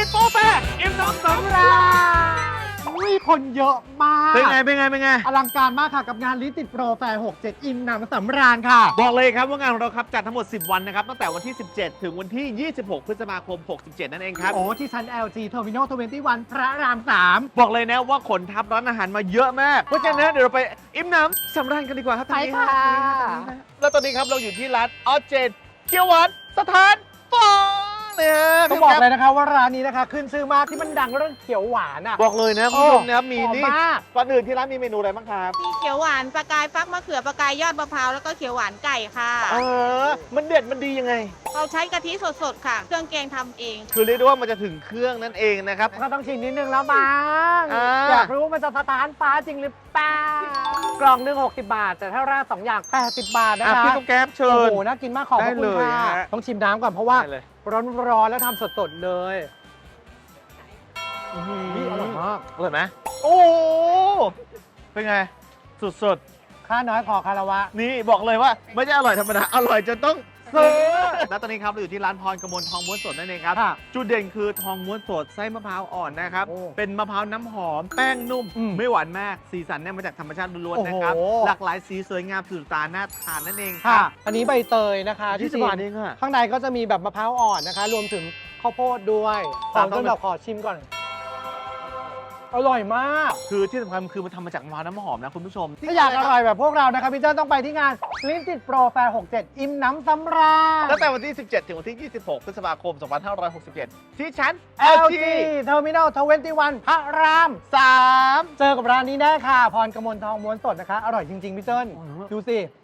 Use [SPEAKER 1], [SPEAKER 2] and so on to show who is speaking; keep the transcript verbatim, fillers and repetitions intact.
[SPEAKER 1] ติดโปรแฟร์อิ่มน้ำสำราญ
[SPEAKER 2] อุ้ยคนเยอะมาก
[SPEAKER 1] เป็นไงเป็นไงเป็นไง
[SPEAKER 2] อลังการมากค่ะกับงานลิติดโปรแฟร์หกเจ็ดอิ่มหนำสำราญค่ะ
[SPEAKER 1] บอกเลยครับว่างานของเราครับจัดทั้งหมดสิบวันนะครับตั้งแต่วันที่ สิบเจ็ด ถึงวันที่ ยี่สิบหก พฤษภาคม หกสิบเจ็ด นั่นเองครับ
[SPEAKER 2] โอ้ที่ชั้น แอล จี Terminal ยี่สิบเอ็ด พระรามสาม
[SPEAKER 1] บอกเลยนะว่าขนทับร้านอาหารมาเยอะมากเพราะฉะนั้นเดี๋ยวเราไปอิ่มน้ำสำราญกันดีกว่าครับตอนนี้
[SPEAKER 2] ไปค่ะ
[SPEAKER 1] แล้วตอนนี้ครับเราอยู่ที่ร้านออเจนเกียวหวานสถานฟองเนี่ย
[SPEAKER 2] ต้องบอกเลยนะคะว่าร้านนี้นะคะขึ้นชื่อมากที่มันดังเรื่องเขียวหวานอ่ะ
[SPEAKER 1] บอกเลยนะคุณผู้ชมนะครับมี
[SPEAKER 2] หอ
[SPEAKER 1] นี่
[SPEAKER 2] มาก
[SPEAKER 1] ก่อนอื่นที่ร้านมีเมนูอะไรบ้างครับ
[SPEAKER 3] มีเขียวหวานปลากายฟักมะเขือปลากายยอดมะพร้าวแล้วก็เขียวหวานไก่ค่ะ
[SPEAKER 1] เออมันเด็ดมันดียังไง
[SPEAKER 3] เราใช้กะทิสดๆค่ะ เครื่องแกงทำเอง
[SPEAKER 1] คือเรียกได้ว่ามันจะถึงเครื่องนั่นเองนะครับ
[SPEAKER 2] ก็ต้องชิมนิดนึงแล้วมั้ง
[SPEAKER 1] อ่า
[SPEAKER 2] อยากรู้ว่ามันจะสถานฟ้าจริงหรือเปล่ากล่องหนึ่งหกสิบบาท แต่ถ้าราดสองอย่างแปดสิบบาทนะ
[SPEAKER 1] อ่ะ
[SPEAKER 2] คะ
[SPEAKER 1] พี่ต้องแก๊ปเชิ
[SPEAKER 2] โอ้
[SPEAKER 1] ญ
[SPEAKER 2] โหน่ากินมากขอบพระคุณ
[SPEAKER 1] ได้เลย
[SPEAKER 2] ค่ะ
[SPEAKER 1] ฮะ
[SPEAKER 2] ต้องชิมน้ำก่อนเพราะว่า
[SPEAKER 1] ได้เลย
[SPEAKER 2] ร้อนๆแล้วทำสดๆเลยนี่อร่อยมาก
[SPEAKER 1] อร่อยไหมโอ้เป็นไง สุด
[SPEAKER 2] ค่าน้อยขอคารวะ
[SPEAKER 1] ๆ นี่บอกเลยว่าไม่ใช่อร่อยธรรมดา อร่อยจนต้องซื้อแล้วตอนนี้ครับเราอยู่ที่ร้านพรกมลทองม้วนสดนั่นเองครับ
[SPEAKER 2] ค่ะ
[SPEAKER 1] จุดเด่นคือทองม้วนสดไส้มะพร้าวอ่อนนะครับ
[SPEAKER 2] โอ้
[SPEAKER 1] เป็นมะพร้าวน้ำหอม แป้งนุ่ม
[SPEAKER 2] อืม
[SPEAKER 1] ไม่หวานมาก สีสันเนี่ยมาจากธรรมชาติล้วนๆนะครับ
[SPEAKER 2] โอ้โห
[SPEAKER 1] หลากหลายสีสวยงามสุดตาน่าทานนั่นเองค
[SPEAKER 2] ค่ะ
[SPEAKER 1] รับ
[SPEAKER 2] อันนี้ใบเตยนะคะ
[SPEAKER 1] ที่
[SPEAKER 2] ที่
[SPEAKER 1] ส
[SPEAKER 2] ชิ
[SPEAKER 1] บาม ยเองอะ
[SPEAKER 2] ข้างในก็จะมีแบบมะพร้าวอ่อนนะคะ รวมถึงข้าวโพดด้วยข
[SPEAKER 1] ตา
[SPEAKER 2] อ
[SPEAKER 1] ม
[SPEAKER 2] ง
[SPEAKER 1] ต้อง
[SPEAKER 2] ต้นแบบขอชิมก่อน อร่อยมาก
[SPEAKER 1] คือที่สำคัญคือมันทำมาจากมะพร้าวน้ำหอมนะคุณผู้ชม
[SPEAKER 2] ถ้าอยากอร่อยแบบพวกเรานะคะพี่เจ้าต้องไปที่งานลิ้นติดโปรแฟร์หกเจ็ดอิ่มน้ำสำราญ
[SPEAKER 1] ตั้งแต่วันที่ สิบเจ็ด ถึงวันที่ ยี่สิบหก พฤษภาคม สองพันห้าร้อยหกสิบเจ็ด ที่ชั้น
[SPEAKER 2] แอ
[SPEAKER 1] แอ
[SPEAKER 2] ล
[SPEAKER 1] ล
[SPEAKER 2] จี
[SPEAKER 1] ที
[SPEAKER 2] Terminal ยี่สิบเอ็ด พระราม
[SPEAKER 1] สาม
[SPEAKER 2] เจอกับร้านนี้ได้ค่ะ พรกมลทองม้วนสดนะคะ อร่อยจริง ๆ พี่เจิ้น
[SPEAKER 1] อ๋อ
[SPEAKER 2] ดูสิ